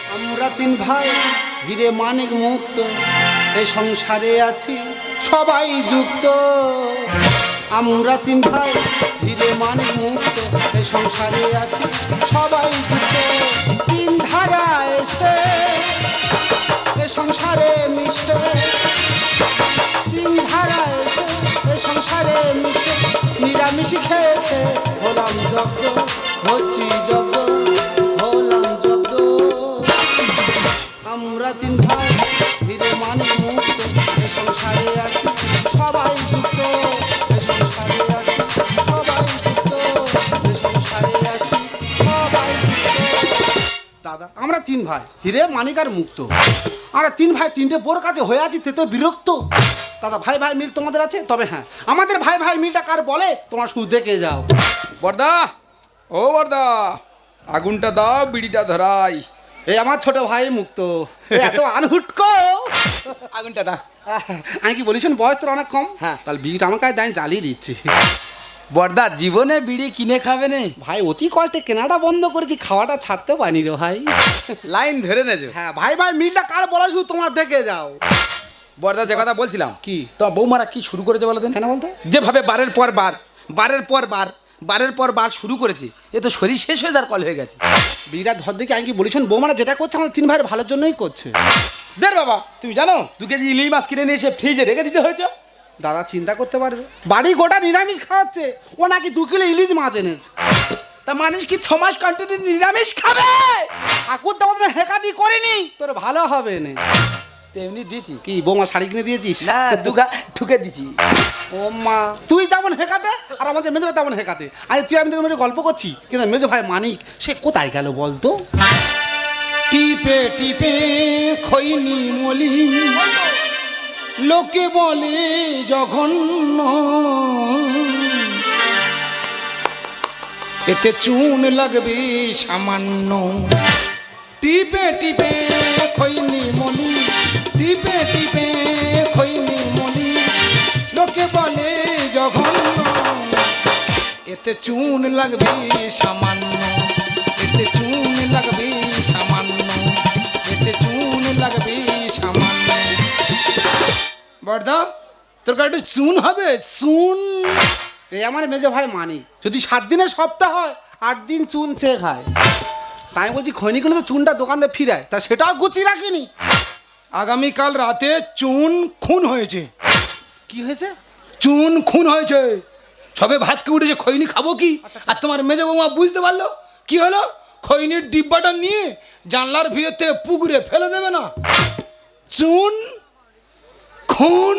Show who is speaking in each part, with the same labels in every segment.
Speaker 1: আমরা তিন ভাই হিরে মানিক মুক্ত, এই সংসারে আছি সবাই যুক্ত। আমরা তিন ভাই হিরে মানিক মুক্ত, এই সংসারে আছি সবাই যুক্ত। তিন ধারা এসে এ সংসারে মিশে, তিন ধারা এসে এ সংসারে মিশে, নিরামিষ খেতে হলাম জব্দ, হচ্ছি জব্দ, হলাম জব্দ। আমরা তিন ভাই হিরে মানিক মুক্ত, এ সংসারে আছি সবাই যুক্ত, এ সংসারে আছি সবাই যুক্ত, এ সংসারে আছি সবাই যুক্ত। দাদা আমরা তিন ভাই হিরে মানিক আর মুক্ত, আমরা তিন ভাই তিনটে বোর কাছে হয়ে আছি তেতে বিরক্ত। দাদা ভাই ভাই মিল তোমাদের আছে? তবে হ্যাঁ, আমাদের ভাই ভাই মিলটা কার বলে তোমার শুধু দেখে যাও।
Speaker 2: বর্দা, ও বর্দা, আগুনটা দাও, বিড়িটা ধরাই।
Speaker 1: এই আমার ছোট ভাই মুক্ত, এত আনহুটকো।
Speaker 2: আগুনটা দা।
Speaker 1: আমি কি বলিস বয়স তোর অনেক কম,
Speaker 2: হ্যাঁ।
Speaker 1: তাহলে বিড়িটা আমার কাছে দাঁড়িয়ে জ্বালিয়ে দিচ্ছি।
Speaker 2: বর্দা, জীবনে বিড়ি কিনে খাবে নে?
Speaker 1: ভাই অতি কষ্টে কেনাটা বন্ধ করেছি, খাওয়াটা ছাড়তে পারিনি রে ভাই।
Speaker 2: লাইন ধরে নেছো।
Speaker 1: হ্যাঁ ভাই ভাই মিলটা কার বলা শুধু তোমরা দেখে যাও।
Speaker 2: বর্দা, যে কথা বলছিলাম,
Speaker 1: কি?
Speaker 2: তোমার বৌমারা কি শুরু করেছে বলো দেন?
Speaker 1: কেন বলতো?
Speaker 2: যেভাবে বারের পর বার, বারের পর বার, বারের পর বার শুরু করেছে, এ তো শরীর শেষ হয়ে যাওয়ার কল হয়ে গেছে।
Speaker 1: বিড়িটা ধর দেখে আমি কি বলিস বৌমারা যেটা করছে আমাদের তিন ভাইয়ের ভালোর জন্যই করছে।
Speaker 2: দের বাবা, তুমি জানো 2 কেজি ইলিশ মাছ কিনে নিয়ে এসে ফ্রিজে রেখে দিতে হয়েছে?
Speaker 1: দাদা চিন্তা করতে পারবে, বাড়ি গোটা নিরামিষ খাওয়াচ্ছে, ও নাকি 2 কিলো ইলিশ মাছ এনেছে।
Speaker 2: তা মানুষ কি 6 মাস কন্টিনিউ নিরামিষ খাবে?
Speaker 1: ঠাকুর দাদা হেকাতি করিনি, তোর ভালো হবে না।
Speaker 2: তেমনি দিয়েছি।
Speaker 1: কি বৌমা শাড়ি কিনে দিয়েছিস?
Speaker 2: না, দুগা ঠুকে দিছি।
Speaker 1: ও মা, তুই যেমন হেকাতে আর আমাদের মেজো তেমন হেকাতে। আরে তুই আমি তোকে গল্প করছি, কিন্তু মেজো ভাই মানিক সে কোথায় গেল বলতো?
Speaker 3: টিপে টিপে খৈনি মলি, লোকে বলে জঘন্য, এতে চুন লাগবে সামান্য। টিপে টিপে খৈনি মলি, টিপে টিপে খৈনি মলি, লোকে বলে জঘন্য, এতে চুন লাগবে সামান্য, এতে চুন লাগবে সামান্য, এতে চুন লাগবে সামান্য। বর্দা, তোর গাড়িটা চুন হবে? চুন?
Speaker 1: এই আমার মেজো ভাই মানিক যদি 7 দিনের সপ্তাহ হয় 8 দিন চুন চেয়ে খায়। তাই বলছি খৈনিগুলো তো চুনটা দোকানে ফিরায়, তা সেটাও গুছিয়ে রাখিনি।
Speaker 3: আগামীকাল রাতে চুন খুন হয়েছে।
Speaker 1: কি হয়েছে?
Speaker 3: চুন খুন হয়েছে। সবে ভাতকে উঠেছে, খৈনি খাবো কি? আর তোমার মেজো বৌমা বুঝতে পারলো কি হলো? খৈনির ডিব্বাটা নিয়ে জানলার ভিতরে পুকুরে ফেলে দেবে না। চুন খুন।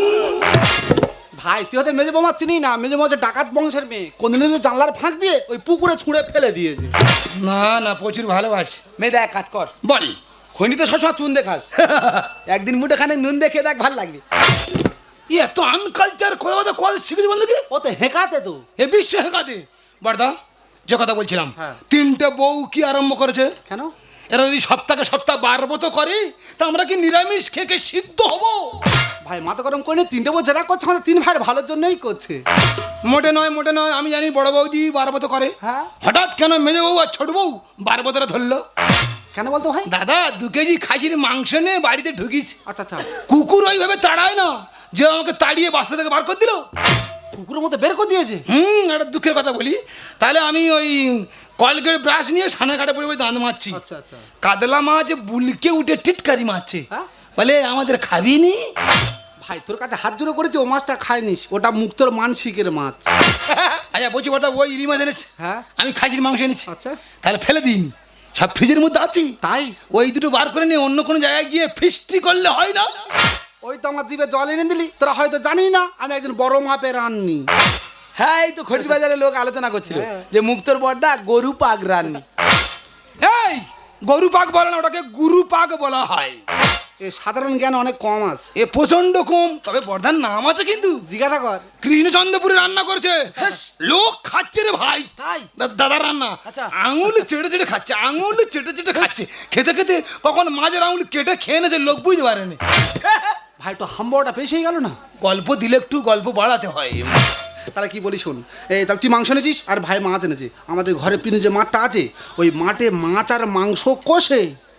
Speaker 1: ভাই তুই হয়তো মেজো বৌমা চিনি না, মেজো বৌমা হচ্ছে ডাকাত বংশের মেয়ে, কোনদিন জানলার ফাঁক দিয়ে ওই পুকুরে ছুঁড়ে ফেলে দিয়েছে।
Speaker 3: না না, প্রচুর ভালোবাসে।
Speaker 2: মেয়ে দেখ, কাজ কর,
Speaker 3: বল।
Speaker 2: খনি তো সবসময় চুন দেখাস, একদিন মুঠে খানে নুন দেখে দেখ, ভাল লাগবে।
Speaker 3: এত আনকালচার কথা কথা শিখেছি বলতো কি?
Speaker 1: ও তো হেঁকাতে তো।
Speaker 3: এ বিশ্ব হেঁকাতে। বর্দা, যে কথা বলছিলাম,
Speaker 1: হ্যাঁ।
Speaker 3: 3টে বউ কি আরম্ভ করেছে?
Speaker 1: কেন?
Speaker 3: এরা যদি সপ্তাহে সপ্তাহ 12 তো করে, তা আমরা কি নিরামিষ খেয়ে সিদ্ধ হবো?
Speaker 1: ভাই মাথা গরম করে 3টে বউ যেটা করছে আমাদের 3 ভাইয়ের ভালোর জন্যই করছে।
Speaker 3: মোটে নয়, মোটে নয়। আমি জানি বড় বৌদি 12 তো করে।
Speaker 1: হ্যাঁ।
Speaker 3: হঠাৎ কেন মেজো বউ আর ছোট বউ 12 ধরলো?
Speaker 1: কেন বলতো ভাই?
Speaker 3: দাদা, 2 কেজি খাসির মাংস নিয়ে বাড়িতে ঢুকিস।
Speaker 1: আচ্ছা আচ্ছা।
Speaker 3: কুকুর ওইভাবে তাড়ায় না যে আমাকে তাড়িয়ে বাস্তা থেকে বার করে দিল।
Speaker 1: কুকুরের মধ্যে বের করে দিয়েছে।
Speaker 3: একটা দুঃখের কথা বলি, তাহলে আমি ওই কলগেট ব্রাশ নিয়ে সানের কাটে পড়ে দাঁত মারছি।
Speaker 1: আচ্ছা আচ্ছা।
Speaker 3: কাতলা মাছ বুলকে উঠে টিটকারি মারছে।
Speaker 1: হ্যাঁ?
Speaker 3: বলে আমাদের খাবি নি?
Speaker 1: ভাই তোর কাছে হাত জোড়ো করেছে, ও মাছটা খায়নিস, ওটা মুক্তর মানসিকের মাছ।
Speaker 3: আচ্ছা বলছি বর্দা, ওই ইলি মাছ এনেছি,
Speaker 1: হ্যাঁ
Speaker 3: আমি খাসির মাংস এনেছি।
Speaker 1: আচ্ছা।
Speaker 3: তাহলে ফেলে দিইনি, সব ফ্রিজের মধ্যে আছি।
Speaker 1: তাই
Speaker 3: ওই দুটো বার করে নিয়ে অন্য কোনো জায়গায় গিয়ে ফিস্টি করলে হয় না?
Speaker 1: ওই তো আমার জিভে জল এনে দিলি, তোরা হয়তো জানি না আমি একজন বড় মাপের রান্নি।
Speaker 2: হ্যাঁ, এই তো খড়ির বাজারে লোক আলোচনা করছিল
Speaker 1: হ্যাঁ।
Speaker 2: যে মুক্তর বর্দা গরু পাক রান্নি।
Speaker 3: এই গরু পাক বলে না, ওটাকে গুরু পাক বলা হয়।
Speaker 1: এ সাধারণ জ্ঞান অনেক কম আছে।
Speaker 3: এ প্রচন্ড কম, তবে বর্ধার নাম আছে কিন্তু।
Speaker 1: জিজ্ঞাসা কর।
Speaker 3: কৃষ্ণচন্দ্রপুরে রান্না করছে, লোক খাচ্ছে রে ভাই।
Speaker 2: তাই?
Speaker 3: দাদার রান্না।
Speaker 2: আচ্ছা।
Speaker 3: আঙুল চেটে চেটে খাচ্ছে, আঙুল চেটে চেটে খাচ্ছে। খেতে খেতে কখন মাঝের আঙুল কেটে খেয়ে নেছে, লোক বুঝতে পারেনি।
Speaker 1: ভাই তো হাম্বাটা বেশি হয়ে গেল না?
Speaker 3: গল্প দিলে একটু গল্প বাড়াতে হয়।
Speaker 1: তাহলে কি বলি শোন, এই তাহলে তুই মাংস এনেছিস আর ভাই মাছ এনেছে। আমাদের ঘরে পিছনে যে মাঠটা আছে, ওই মাঠে মাছ আর মাংস কষে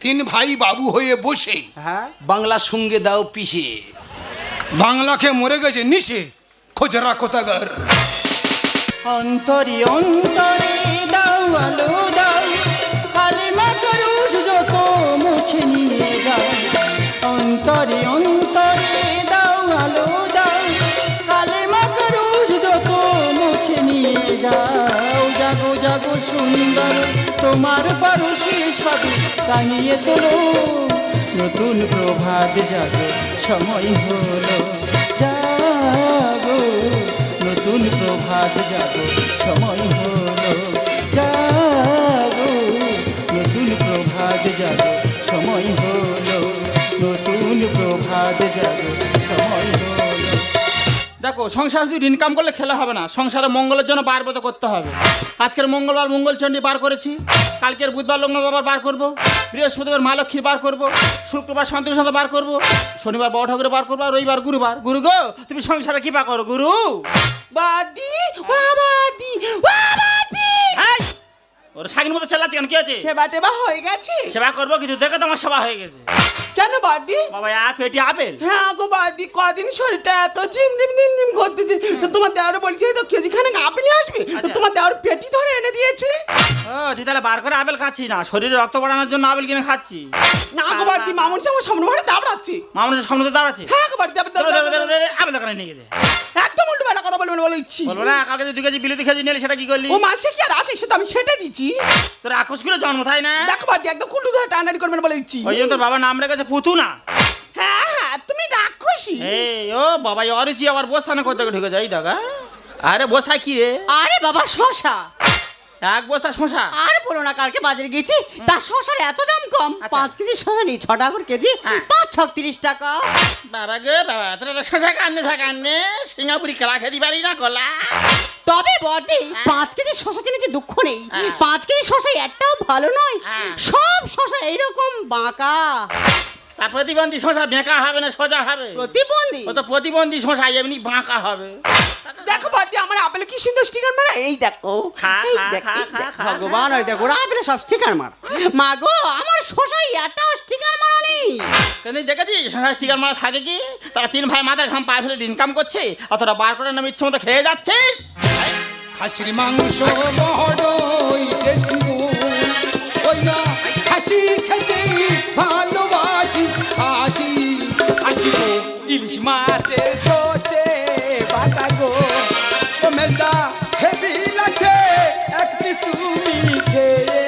Speaker 3: তিন ভাই বাবু হয়ে বসে
Speaker 1: হ্যাঁ
Speaker 2: বাংলার সঙ্গে দাও পিষে।
Speaker 3: বাংলাকে মরে গেছে নিশে খোঁজরা কোথাগার।
Speaker 4: অন্তরে অন্তরে দাও আলো দাও, কালিমা করুষ যত মুছে নিয়ে যাও। অন্তরে অন্তরে দাও আলো দাও, কালিমা করুষ যত মুছে নিয়ে যাও। জাগো জাগো সুন্দর তোমার পরশে সবে টানিয়ে তোলো, নতুন প্রভাত জাগো সময় হলো। জাগো নতুন প্রভাত জাগো সময় হলো। জাগো নতুন প্রভাত জাগো সময় হলো। নতুন প্রভাত জাগো সময় হলো। দেখো, সংসার শুধু ইনকাম করলে খেলা হবে না, সংসারে মঙ্গলের জন্য বার ব্রত করতে হবে। আজকের মঙ্গলবার মঙ্গলচণ্ডী বার করেছি, কালকের বুধবার লগ্নবার বার করব, বৃহস্পতিবার মা লক্ষ্মীর বার করব, শুক্রবার সন্তোষ সাথে বার করব, শনিবার বড় ঠাকুরের বার করবো, আর রবিবার গুরুবার। গুরু গো, তুমি সংসারে কি বা করো গুরু?
Speaker 1: বাদি ও বাদি ও বাদি,
Speaker 4: ওর শাকির মতো চালাচ্ছে কেন? কি আছে?
Speaker 1: সেবা টেবা হয়ে গেছে?
Speaker 4: সেবা করবো কিছু, দেখো তোমার সেবা হয়ে গেছে।
Speaker 1: কেন বাদি?
Speaker 4: বাবা এক পেটি আপেল।
Speaker 1: হ্যাঁ গো বাদি, কদিন শরীরটা এত ঝিম করতেছে, তো তোমার দেওয়ার বলছে তো কেজি খানেক আপেল আসবে, তো তোমার দেওয়ার পেটি ধরে এনে দিয়েছে।
Speaker 4: ও তুই তাহলে বার করে আপেল খাচ্ছি না, শরীরে রক্ত বাড়ানোর জন্য আপেল কিনে খাচ্ছি।
Speaker 1: না গো বাদি, মামুন সে আমার সামনে ভাড়া দাবড়াচ্ছে।
Speaker 4: মানুষের সামনে তো দাঁড়াচ্ছে।
Speaker 1: হ্যাঁ গো বাদি,
Speaker 4: আপেল দোকানে নিয়ে গেছে।
Speaker 1: একদম উল্টো বেলা কথা বলবেন বলে ইচ্ছি।
Speaker 4: বলবো না, কালকে তুই 2 কেজি বিলিতি খেয়ে নিলে সেটা কি করলি?
Speaker 1: ও মাসে কি আর আছে, সে তো আমি সেটা দিচ্ছি।
Speaker 4: তোর আকুশ করে জন্ম তাই না?
Speaker 1: দেখো বাদি, একদম কুল্লু ধরে টানাটানি করবেন বলে ইচ্ছি।
Speaker 4: ওই জন্য তোর বাবার নাম রেখেছে পুতুনা।
Speaker 1: হ্যাঁ হ্যাঁ, তুমি রাক্ষসী।
Speaker 4: এই ও বাবা, এই অরুচি আবার বস্তানে করতে ঢুকে যাই দাগা। আরে বস্তায় কি রে?
Speaker 5: আরে বাবা শশা।
Speaker 4: এক বস্তা শশা?
Speaker 5: আর বলো না, কালকে বাজারে গেছি, তার শশার এত দাম কম।
Speaker 4: আচ্ছা।
Speaker 5: 5 কেজি শশা নেই, 6 টাকা করে কেজি,
Speaker 4: হ্যাঁ।
Speaker 5: 5 30 টাকা।
Speaker 4: বাবা গে বাবা, তোরা তো শশা কান্নে সিঙ্গাপুরি খেলা খেতে পারি না কলা।
Speaker 5: তবে বটে 5 কেজি শশা কিনেছি, দুঃখ নেই।
Speaker 4: হ্যাঁ।
Speaker 5: 5 কেজি শশা একটাও ভালো নয়,
Speaker 4: হ্যাঁ।
Speaker 5: সব শশা এইরকম বাঁকা।
Speaker 4: তার প্রতিবন্ধী শশা বেঁকা হবে না সোজা হবে?
Speaker 5: প্রতিবন্ধী?
Speaker 4: ও তো প্রতিবন্ধী শশা এমনি বাঁকা হবে।
Speaker 1: দেখো বাদি, আমার আপেলে কি সুন্দর স্টিকার মারা, এই দেখো
Speaker 4: খা,
Speaker 5: এই
Speaker 4: খা,
Speaker 5: দেখ,
Speaker 4: খা,
Speaker 5: এই
Speaker 4: খা,
Speaker 5: দেখ,
Speaker 4: খা,
Speaker 5: ভগবান, ওই দেখো ওরা আপেলে সব স্টিকার মার। মা গো, আমার শশাই একটাও স্টিকার মারা নেই।
Speaker 4: কেন দেখেছিস শশা স্টিকার মারা থাকে কি? তারা 3 ভাই মাথার ঘাম পায়ে ফেলে ইনকাম করছে, অতটা বার করে নাম ইচ্ছে মতো খেয়ে যাচ্ছিস।
Speaker 3: খাসির মাংস বড়ই টেস্টি গো, ওই না খাসি খেতে ভালোবাসি, আসি আসি গো।
Speaker 2: ইলিশ মাছের ছোটে বাটা গো, ও মেজদা হেভি লাগছে এক পিস তুমি খেয়ে।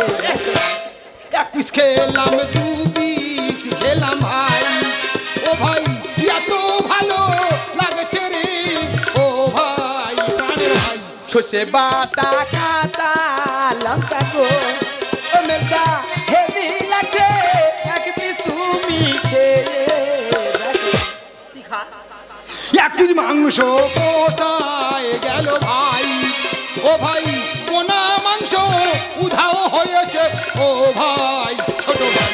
Speaker 3: এক পিস খেলাম, 2 পিস খেলাম ভাই, ও ভাই এত ভালো লাগছে রে, ও ভাই প্রাণের ভাই।
Speaker 2: সর্ষে বাটা কাঁচা লঙ্কা গো, ও মেজদা হেভি লাগছে এক পিস তুমি খেয়ে।
Speaker 3: এক কেজি মাংস কোথায় গেল ভাই, ও ভাই কোনা মাংস উধাও হয়েছে, ও ভাই ছোট ভাই।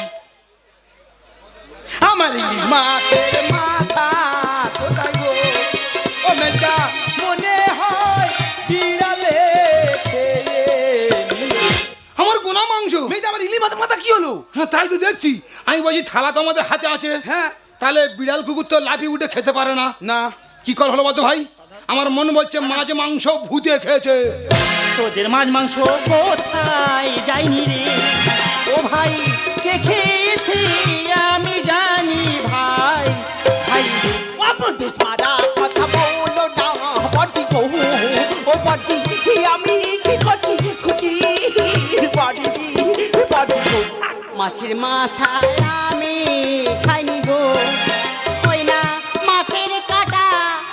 Speaker 2: আমার ইলিশ মাছের মাথা কোথায় গো, ও মেজদা মনে হয় বিড়ালে খেয়ে নিয়ে।
Speaker 3: আমার গোনা মাংস।
Speaker 2: মেজদা, আমার ইলিশ মাছের মাথা কি হলো?
Speaker 3: হ্যাঁ তাই তো দেখছি, আমি বলছি থালা তো আমাদের হাতে আছে,
Speaker 2: হ্যাঁ।
Speaker 3: তাহলে বিড়াল কুকুর তো লাফিয়ে উঠে খেতে পারে না।
Speaker 2: না,
Speaker 3: কি কল হলো বলতো ভাই? আমার মন বলছে মাছ মাংস ভূতে খেয়েছে।
Speaker 4: তোদের মাছ মাংস কোথায় যায়নি রে, ও ভাই কে খেয়েছি আমি জানি ভাই। ভাই
Speaker 1: অপদেশ মারা কথা বলো না বাদি গো, ও বাদি আমি কি করছি খুকি, বাদি বাদি গো।
Speaker 5: মাছের মাথা আমি খাইনি গো, ওই না মাছের কাটা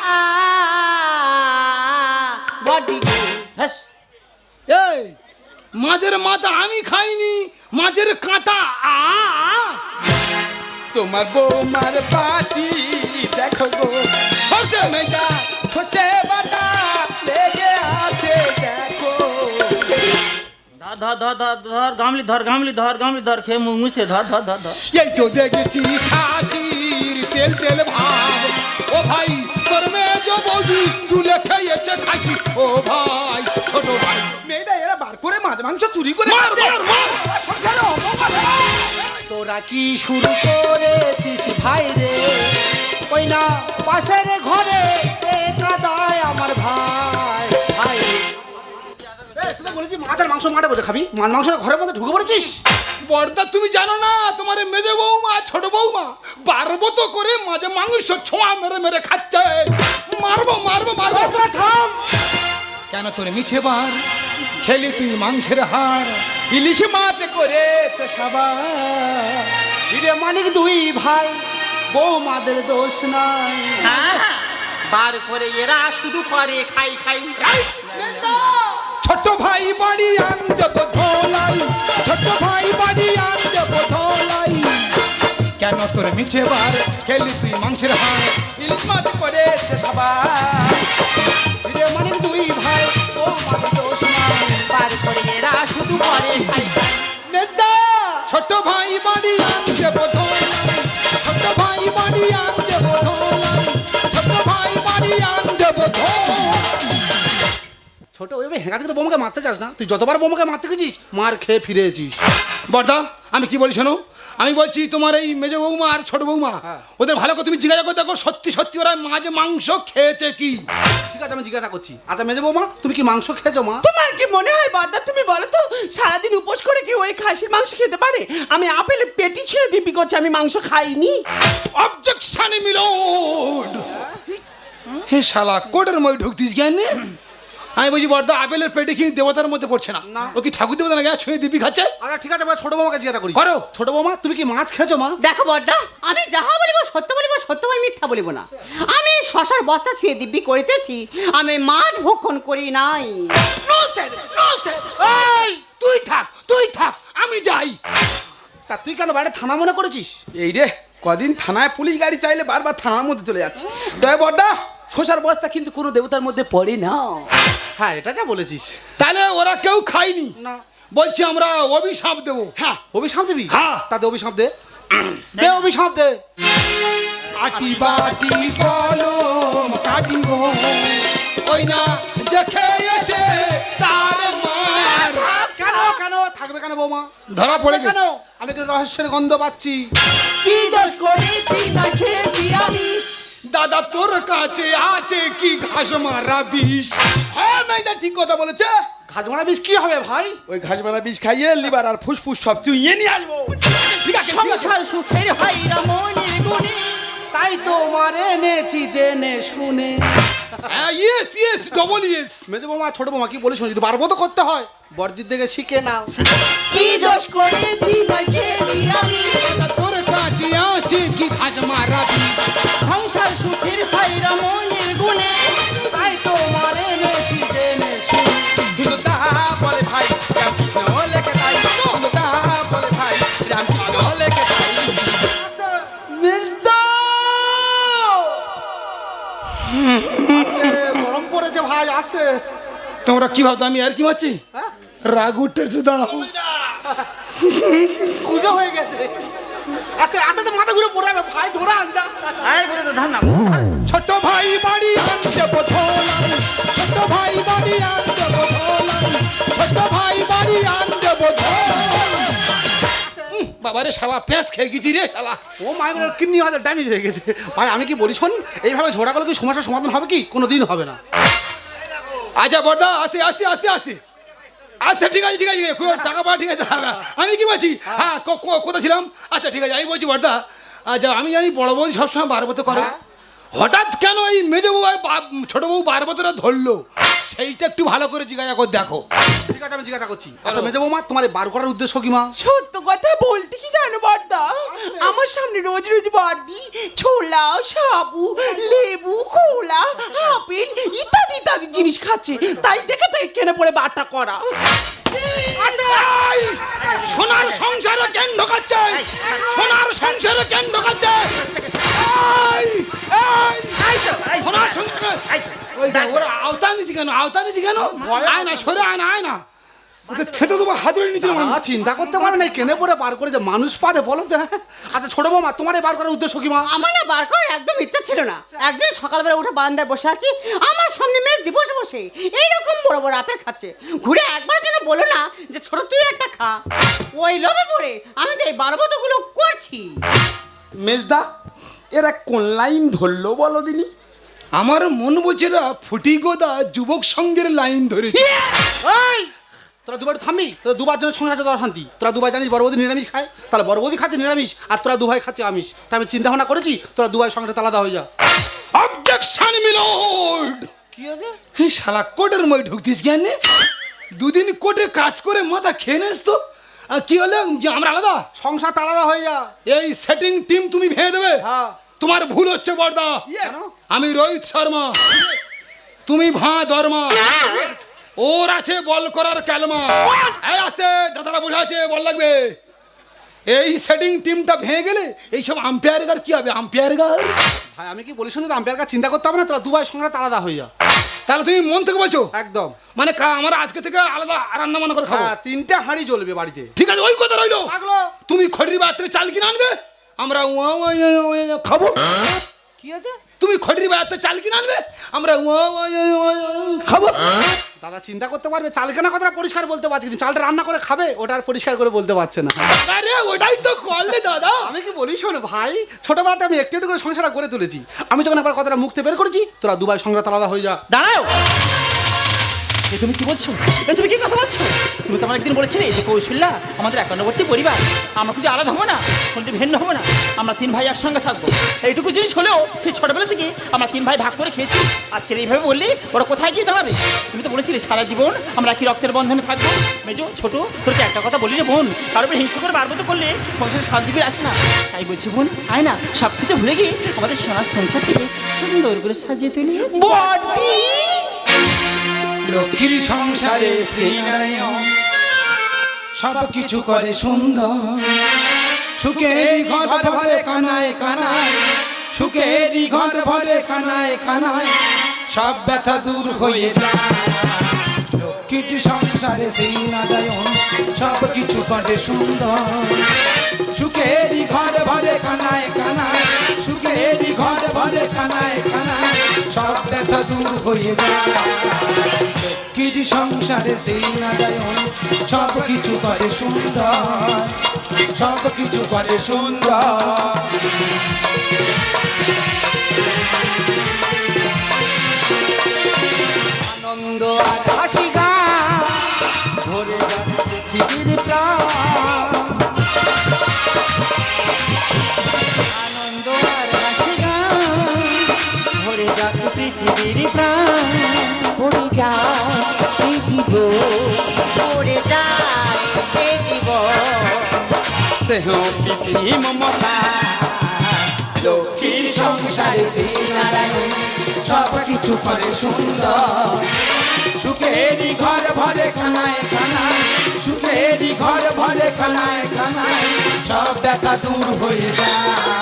Speaker 5: বডি গো।
Speaker 4: হ্যাস,
Speaker 3: এই মাছের মাথা আমি খাইনি, মাছের কাঁটা আ আ।
Speaker 2: তোমার বৌমার বাটি দেখো গো,
Speaker 3: সর্ষে মেজা
Speaker 2: সর্ষে বাটা লেগে আছে দেখো।
Speaker 4: ধর ধর ধর ধর গামলি ধর গামলি ধর গামলি ধর খেয়ে মুখ মুছতে ধর ধর ধর ধর।
Speaker 3: এই তো দেখেছি খাসির তেল তেল ভাব, ও ভাই তোর মেজ বৌদি তুলে খেয়েছে খাসি, ও ভাই ছোট ভাই।
Speaker 2: মেয়েটা এরা বার করে মাছ মাংস চুরি করে
Speaker 3: মার
Speaker 2: খাচ্ছে।
Speaker 3: মার মার।
Speaker 2: সংসারে অপবাদ।
Speaker 1: তোরা কি শুরু করেছিস ভাই রে, ওই না পাশের ঘরে কাদায় আমার ভাই ভাই রে। তোরা বলেছি মাছ আর মাংস মাঠে বসে খাবি, মাছ মাংস ঘরের মধ্যে ঢুকে পড়েছিস।
Speaker 3: বর্দা তুমি জানো না তোমার মেজে বৌমা ছোট বৌমা বারবত করে মাঝে মাংস ছোঁয়া মেরে মেরে খাচ্ছে। মারবো মারবো মারবো।
Speaker 1: তোরা থাম।
Speaker 3: কেন তোর মিছে বার খেলি তুই মাংসের হার।
Speaker 2: ইলিশ মাছ করেছে সাবার।
Speaker 1: হিরে মানিক দুই ভাই, বৌমাদের দোষ নাই।
Speaker 5: বার করে এরা শুধু করে খাই খাই।
Speaker 3: ছোট ভাই বাড়ি আনতে বোধলাই, ছোট ভাই বাড়ি আনতে বোধলাই। কেন তোর মিছে বার খেলি তুই মাংসের হার।
Speaker 2: ইলিশ মাছ করেছে সাবার।
Speaker 1: হিরে মানিক দুই ভাই, বৌমাদের দোষ নাই।
Speaker 5: বার করে এরা শুধু করে খাই খাই।
Speaker 2: মেজদা
Speaker 3: ছোট ভাই বাড়ি আনতে বোধলাই, ছোট ভাই বাড়ি আনতে বোধলাই, ছোট ভাই বাড়ি আনতে বোধলাই।
Speaker 1: ছোট ওইভাবে হেঁকাতে করে বোমাকে মারতে চাস না। তুই যতবার বোমাকে মারতে গেছিস মার খেয়ে ফিরে এসিস।
Speaker 3: বর্দা আমি কি বলি শোনো, আমি বলছি তোমার এই মেজ বৌমা আর ছোট বৌমা ওদের ভালো করে তুমি জিজ্ঞাসা করে দেখো সত্যি সত্যি ওরা মাঝে মাংস খেয়েছে কি।
Speaker 1: ঠিক আছে আমি জিজ্ঞাসা করছি। আচ্ছা মেজে বৌমা তুমি কি মাংস খেয়েছো মা?
Speaker 5: তোমার কি মনে হয় বর্দা, তুমি বলো তো সারাদিন উপোস করে কি ওই খাসির মাংস খেতে পারে? আমি আপেলের পেটি ছিঁড়ে দিবি করছি, আমি মাংস খাইনি।
Speaker 3: অবজেকশন মিলোড। হে শালা কোটের মই ঢুকতিস জ্ঞান নেই। আমি বলছি বর্দা আপেলের পেটে কি দেবতার মধ্যে পড়ছে না?
Speaker 1: না।
Speaker 3: ও কি ঠাকুর দেবতা না ছুঁয়ে দিবি খাচ্ছে?
Speaker 1: আচ্ছা ঠিক আছে ছোট বৌমাকে জিজ্ঞাসা করি।
Speaker 3: করো।
Speaker 1: ছোট বৌমা তুমি কি মাছ খেয়েছো মা?
Speaker 5: দেখো বর্দা, আমি যাহা বলিব সত্য বলিব, সত্য আমি মিথ্যা বলিব না। আমি শশার বস্তা ছিঁড়ে দিব্যি করিতেছি, আমি মাছ ভক্ষণ করি নাই।
Speaker 3: No sir no sir. এই তুই থাক তুই থাক আমি যাই।
Speaker 1: তা তুই কেন বাইরে থানা মনে করেছিস?
Speaker 2: এই রে কদিন থানায় পুলিশ গাড়ি চাইলে বারবার থানার মধ্যে চলে যাচ্ছে। তবে বড়দা শোষার বস্তা কিন্তু কোনো দেবতার মধ্যে পড়ে না।
Speaker 1: হ্যাঁ এটা যা বলেছিস।
Speaker 3: তাহলে ওরা কেউ খায়নি?
Speaker 1: না।
Speaker 3: বলছি আমরা অভিশাপ দেবো।
Speaker 1: হ্যাঁ অভিশাপ দিবি?
Speaker 3: হ্যাঁ।
Speaker 1: তাতে অভিশাপ দে। দে অভিশাপ দে।
Speaker 3: আটি বাটি কলম কাটিব ওই না দেখেছে তার মার।
Speaker 1: কেন কেন থাকবে কেন বৌমা?
Speaker 3: ধরা পড়ে
Speaker 1: কেন?
Speaker 3: গেছে।
Speaker 1: আমি একটু রহস্যের গন্ধ পাচ্ছি।
Speaker 5: কি দোষ করেছি না খেয়েছি আমি?
Speaker 3: দাদা তোর কাছে আছে কি ঘাস মারা বিষ?
Speaker 2: হ্যাঁ মেয়েটা ঠিক কথা বলেছে।
Speaker 1: ঘাস মারা বিষ কি হবে ভাই?
Speaker 2: ওই ঘাস মারা বিষ খাইয়ে লিভার আর ফুসফুস সব চুইয়ে নিয়ে আসবো।
Speaker 3: ঠিক আছে ঠিক আছে।
Speaker 5: সংসার সুখের হাইরা মনের গুণে।
Speaker 1: তাই তো মার এনেছি জেনে শুনে।
Speaker 3: Yes yes double yes.
Speaker 1: মেজে বৌমা ছোট বৌমা কি বলে শুনি, যদি পারবো তো করতে হয়। বড়দির থেকে শিখে নাও।
Speaker 5: কি দোষ করেছি না খেয়েছি আমি?
Speaker 3: তোর কাছে আছে কি ঘাস মারা বিষ?
Speaker 5: সংসার সুখের হাইরা মনের গুণে।
Speaker 1: তাই তো মার এনেছি জেনে শুনে।
Speaker 2: কিন্তু তা বলে ভাই রামকৃষ্ণ লেখে তাই। কিন্তু তা বলে ভাই রামকৃষ্ণ লেখে তাই। মেজদা
Speaker 1: গরম পড়েছে ভাই আসতে।
Speaker 3: তোমরা কি ভাবতো আমি আর কি মারছি?
Speaker 1: হ্যাঁ?
Speaker 3: রাগ উঠেছে দাঁড়াও।
Speaker 1: কুজো হয়ে গেছে। আস্তে আস্তে মাথা ঘুরে পড়ে যাবে ভাই, ধরে আন যা।
Speaker 3: ছোট ভাই বাড়ি আনতে বোধলাই, ছোট ভাই বাড়ি আনতে বোধলাই, ছোট ভাই বাড়ি আনতে বোধলাই। বাবারে শালা পেঁচ খেয়ে গেছি রে শালা।
Speaker 1: ও মায়ের কিডনি হয়তো ড্যামেজ হয়ে গেছে। ভাই আমি কি বলি শোন, এইভাবে ঝোড়া করলে কি সমস্যার সমাধান হবে কি? কোনো দিন হবে না।
Speaker 3: আচ্ছা বর্দা আস্তে আস্তে আস্তে আস্তে আচ্ছা ঠিক আছে ঠিক আছে টাকা পাওয়া ঠিক আছে। আমি কি বলছি হ্যাঁ কোথায় ছিলাম? আচ্ছা ঠিক আছে আমি বলছি বর্দা, আচ্ছা আমি জানি বড় বৌদি সবসময় বারবত করে, হঠাৎ কেন এই মেজ বউ আর ছোট বউ বারবতটা ধরলো সেইটা একটু ভালো করে জিজ্ঞাসা করে দেখো।
Speaker 1: ঠিক আছে আমি জিজ্ঞাসা করছি। আচ্ছা মেজে বৌমা তোমার এই বার করার উদ্দেশ্য কি মা?
Speaker 5: সত্য কথা বলতে কি জানো বর্দা, আমার সামনে রোজ রোজ বর্দি ছোলা সাবু লেবু খোলা আপেল ইত্যাদি ইত্যাদি জিনিস খাচ্ছে, তাই দেখে তো এখানে পড়ে বাটা করা।
Speaker 3: এই, সোনার সংসারে কেন ঢোকাচ্ছে? সোনার সংসারে কেন ঢোকাচ্ছে? এই, এই, সোনার সংসারে ওই দেখ, ওরা আওতা নিচি কেন? আওতা নিচি কেন? আয় না সরে আয় না আয় না। ওকে খেতে দেবো হাতুড়ি নিতে
Speaker 1: দাদা, চিন্তা করতে পারো না কেনে পরে বার করে যে মানুষ পারে বলো তো? আচ্ছা ছোট বৌমা, তোমার এই বার করার উদ্দেশ্য কি মা?
Speaker 5: আমার না বার করার একদম ইচ্ছা ছিল না। একদিন সকালবেলা উঠে বারান্দায় বসে আছি, আমার সামনে মেজ দি বসে বসে এইরকম বড় বড় আপেল খাচ্ছে। ঘুরে একবার যেন বলো না যে ছোট তুই একটা খা। ওই লোভে পড়ে আমি তো এই বারবতগুলো করছি।
Speaker 2: মেজদা এরা কোন লাইন ধরলো বলো দিনি?
Speaker 3: আমার মন বলছে এরা ফুটি গোদা যুবক সংঘের লাইন ধরেছে।
Speaker 1: এই তোরা দুবার থামবি, তোরা দুবার জন্য সংসার দেওয়া শান্তি। তোরা দুবার জানিস বড় বৌদি নিরামিষ খায়, তাহলে বড় বৌদি খাচ্ছে নিরামিষ আর তোরা দুভাই খাচ্ছে আমিষ। তাই আমি চিন্তা ভাবনা করেছি তোরা দুভাই সংসার আলাদা হয়ে যা।
Speaker 3: Objection milord.
Speaker 1: কি হয়েছে?
Speaker 3: হ্যাঁ শালা কোটের মই ঢুকতিস কেন? দুদিন কোটে কাজ করে মাথা খেয়ে নেস তো। আর কি হলো আমরা আলাদা?
Speaker 1: সংসার আলাদা হয়ে যা।
Speaker 3: এই সেটিং টিম তুমি ভেঙে দেবে।
Speaker 1: হ্যাঁ।
Speaker 3: তোমার ভুল হচ্ছে বড়দা। আমি রোহিত শর্মা, তুমি ভাঁ দর্মা। ওর আছে বল করার ক্যালমা। এই আসতে দাদারা বসে আছে, বল লাগবে। এই সেটিং টিমটা ভেঙে গেলে এইসব আম্পায়ার গার কি হবে? আম্পায়ার গার
Speaker 1: ভাই আমি কি বলি শুনে তো, আম্পায়ার কাছে চিন্তা করতে হবে না, তোরা দুভাই সংসার আলাদা হয়ে যা।
Speaker 3: তাহলে তুমি মন থেকে বলছো?
Speaker 1: একদম।
Speaker 3: মানে আমরা আজকে থেকে আলাদা রান্না বান্না করে খাবো?
Speaker 1: হ্যাঁ, 3টে হাঁড়ি জ্বলবে বাড়িতে।
Speaker 3: ঠিক আছে, ওই কথা রইলো।
Speaker 1: থাকলো।
Speaker 3: তুমি খড়ির বাজার থেকে চাল কিনে আনবে, আমরা খাবো।
Speaker 1: কি আছে?
Speaker 3: তুমি খড়ির বাজার থেকে চাল কিনে আনবে, আমরা খাবো।
Speaker 1: দাদা চিন্তা করতে পারবে, চাল কেনা কথাটা পরিষ্কার বলতে পারছি, কিন্তু চালটা রান্না করে খাবে ওটা আর পরিষ্কার করে বলতে পারছে না।
Speaker 3: আরে ওটাই তো করলে দাদা।
Speaker 1: আমি কি বলি শোনো ভাই, ছোটবেলাতে আমি একটু একটু করে সংসারটা করে তুলেছি। আমি যখন একবার কথাটা মুখতে বের করেছি, তোরা দুভাই সংসার আলাদা হয়ে যা।
Speaker 4: দাঁড়াও, এ তুমি কি বলছো? এ তুমি কি কথা বলছো? তুমি তো আমার একদিন বলেছিলে যে কৌশল্যা আমাদের একান্নবর্তী পরিবার, আমরা কিন্তু আলাদা হবো না, কোনদিন ভিন্ন হবো না, আমরা 3 ভাই একসঙ্গে থাকবো। এইটুকু জিনিস হলেও সেই ছোটবেলা থেকে আমরা 3 ভাই ভাগ করে খেয়েছি। আজকের এইভাবে বললে ওরা কোথায় গিয়ে দাঁড়াবে? তুমি তো বলেছিলে সারা জীবন আমরা কি রক্তের বন্ধনে থাকবো। মেজো ছোট তোর একটা কথা বলি রে বোন, কারোর উপর হিংসা করে বারবত করলে সংসারে শান্তি ফিরে আসে না। তাই বলছি বোন, আয় না সব কিছু ভুলে গিয়ে আমাদের সোনার সংসারটিকে সুন্দর করে সাজিয়ে তুলি।
Speaker 5: বড়দি
Speaker 3: লক্ষ্মীর সংসারে শ্রীনারায়ণ সব কিছু করে সুন্দর। সুখেরই ঘর ভরে কানায় কানায়, সুখেরই ঘর ভরে কানায় কানায়, সব ব্যথা দূর হয়ে যায়। লক্ষ্মীর সংসারে শ্রীনারায়ণ সব কিছু করে সুন্দর। সুখেরই ঘর ভরে কানায় কানায়, সুখেরই ঘর ভরে কানায় কানায়, সব ব্যথা দূর হয়ে যায়। লক্ষ্মীর সংসারে শ্রীনারায়ণ সব কিছু করে সুন্দর, সব কিছু করে সুন্দর।
Speaker 1: আনন্দ আর হাসি গান ভরে যাবে পৃথিবীর প্রাণ।
Speaker 4: আনন্দ আর হাসি গান ভরে যাক পৃথিবীর প্রাণ।
Speaker 5: পড়ে যায় এই জীবন, পড়ে যায় এই জীবন।
Speaker 2: দেহ প্রীতি মমতা
Speaker 3: লক্ষ্মীর সংসারে শ্রীনারায়ণ সব কিছু করে সুন্দর। সুখেরই ঘর ভরে কানায় কানায়, সুখেরই ঘর ভরে কানায় কানায়, সব ব্যথা দূর হয়ে যায়।